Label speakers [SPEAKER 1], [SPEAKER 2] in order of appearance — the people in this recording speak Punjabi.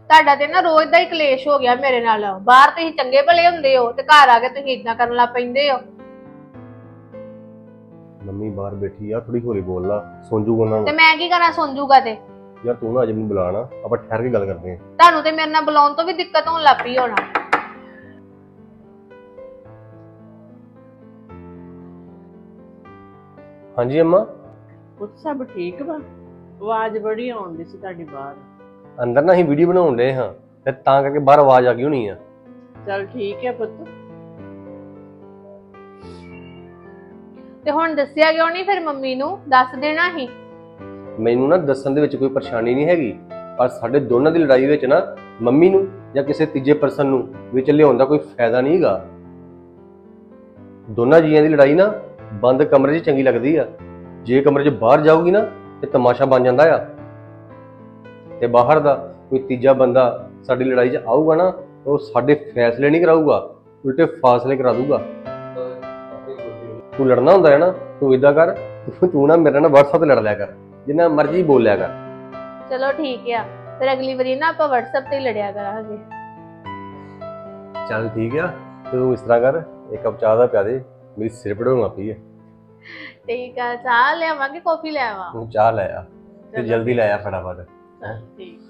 [SPEAKER 1] ਤੁਹਾਡਾ ਤੇ ਨਾ ਰੋਜ਼ ਦਾ ਹੀ ਕਲੇਸ਼ ਹੋ ਗਿਆ ਮੇਰੇ ਨਾਲ। ਬਾਹਰ ਤੁਸੀਂ ਚੰਗੇ ਭਲੇ ਹੁੰਦੇ ਹੋ ਤੇ ਘਰ ਆ ਕੇ ਤੁਸੀਂ ਇਦਾਂ ਕਰਨ ਲੱਗ ਪੈਂਦੇ ਹੋ।
[SPEAKER 2] ਮੰਮੀ ਬਾਹਰ ਬੈਠੀ ਆ, ਥੋੜੀ ਹੌਲੀ ਬੋਲ ਲਾ, ਸੁਣ ਜੂਗਾ ਉਹਨਾਂ
[SPEAKER 1] ਤੇ
[SPEAKER 2] ਨੂੰ।
[SPEAKER 1] ਮੈਂ ਕੀ ਕਰਾਂ ਸੁਣ ਜੂਗਾ ਤੇ?
[SPEAKER 2] ਯਾਰ ਤੂੰ ਨਾ ਅਜੇ ਮੈਨੂੰ ਬੁਲਾਣਾ, ਆਪਾਂ ਠਹਿਰ ਕੇ ਗੱਲ ਕਰਦੇ ਹਾਂ।
[SPEAKER 1] ਤੁਹਾਨੂੰ ਤੇ ਮੇਰੇ ਨਾਲ ਬੁਲਾਉਣ ਤੋਂ ਵੀ ਦਿੱਕਤ ਹੋਣ ਲੱਗ ਪਈ ਹੋਣਾ।
[SPEAKER 2] ਹਾਂਜੀ ਅੰਮਾ।
[SPEAKER 3] ਪੁੱਤ ਸਭ ਠੀਕ ਵਾ? ਆਵਾਜ਼ ਬੜੀ ਆਉਂਦੀ ਸੀ ਤੁਹਾਡੀ ਬਾਹਰ।
[SPEAKER 2] ਅੰਦਰ ਨਾ ਅਸੀਂ ਵੀਡੀਓ ਬਣਾਉਣ ਡਏ ਹਾਂ ਤੇ ਤਾਂ ਕਰਕੇ ਬਾਹਰ ਆਵਾਜ਼ ਆ ਗਈ ਹੋਣੀ ਆ।
[SPEAKER 3] ਚਲ ਠੀਕ ਹੈ ਪੁੱਤ।
[SPEAKER 1] ਤੇ ਹੁਣ ਦੱਸਿਆ ਕਿਉਂ ਨਹੀਂ ਫਿਰ ਮੰਮੀ ਨੂੰ? ਦੱਸ ਦੇਣਾ ਹੀ।
[SPEAKER 2] ਮੈਨੂੰ ਨਾ ਦੱਸਣ ਦੇ ਵਿੱਚ ਕੋਈ ਪਰੇਸ਼ਾਨੀ ਨਹੀਂ ਹੈਗੀ, ਪਰ ਸਾਡੇ ਦੋਨਾਂ ਦੀ ਲੜਾਈ ਵਿੱਚ ਨਾ ਮੰਮੀ ਨੂੰ ਜਾਂ ਕਿਸੇ ਤੀਜੇ ਪਰਸਨ ਨੂੰ ਵਿੱਚ ਲਿਆਉਣ ਦਾ ਕੋਈ ਫਾਇਦਾ ਨਹੀਂ ਹੈਗਾ। ਦੋਨਾਂ ਜੀਆਂ ਦੀ ਲੜਾਈ ਨਾ ਬੰਦ ਕਮਰੇ 'ਚ ਚੰਗੀ ਲੱਗਦੀ ਆ, ਜੇ ਕਮਰੇ 'ਚ ਬਾਹਰ ਜਾਊਗੀ ਨਾ ਤੇ ਤਮਾਸ਼ਾ ਬਣ ਜਾਂਦਾ ਆ। ਤੇ ਬਾਹਰ ਦਾ ਕੋਈ ਤੀਜਾ ਬੰਦਾ ਸਾਡੀ ਲੜਾਈ 'ਚ ਆਊਗਾ ਨਾ, ਉਹ ਸਾਡੇ ਫੈਸਲੇ ਨਹੀਂ ਕਰਾਊਗਾ, ਉਲਟੇ ਫਾਸਲੇ ਕਰਾ ਦੂਗਾ। ਤੂੰ ਲੜਨਾ ਹੁੰਦਾ ਹੈ ਨਾ, ਤੂੰ ਇਦਾਂ ਕਰ, ਤੂੰ ਨਾ ਮੇਰੇ ਨਾਲ WhatsApp ਤੇ ਲੜ ਲਿਆ ਕਰ, ਜਿੰਨਾ ਮਰਜ਼ੀ ਬੋਲ ਲਿਆ ਕਰ।
[SPEAKER 1] ਚਲੋ ਠੀਕ ਆ, ਫਿਰ ਅਗਲੀ ਵਾਰੀ ਨਾ ਆਪਾਂ WhatsApp ਤੇ ਹੀ ਲੜਿਆ ਕਰਾਂਗੇ।
[SPEAKER 2] ਚੱਲ ਠੀਕ ਆ, ਤੂੰ ਇਸ ਤਰ੍ਹਾਂ ਕਰ, ਇੱਕ ਕੱਪ ਚਾਹ ਦਾ ਪਿਆ ਦੇ, ਮੇਰੀ ਸਿਰ ਪੜਾਉਣਾ ਪਈ ਹੈ।
[SPEAKER 1] ਠੀਕ ਆ, ਚਾਹ ਲਿਆਵਾਂਗੇ, ਕੌਫੀ ਲੈ ਆਵਾਂ?
[SPEAKER 2] ਤੂੰ ਚਾਹ ਲੈ ਆ ਤੇ ਜਲਦੀ ਲੈ ਆ ਫਟਾਫਟ।
[SPEAKER 3] ਚਲ ਠੀਕ।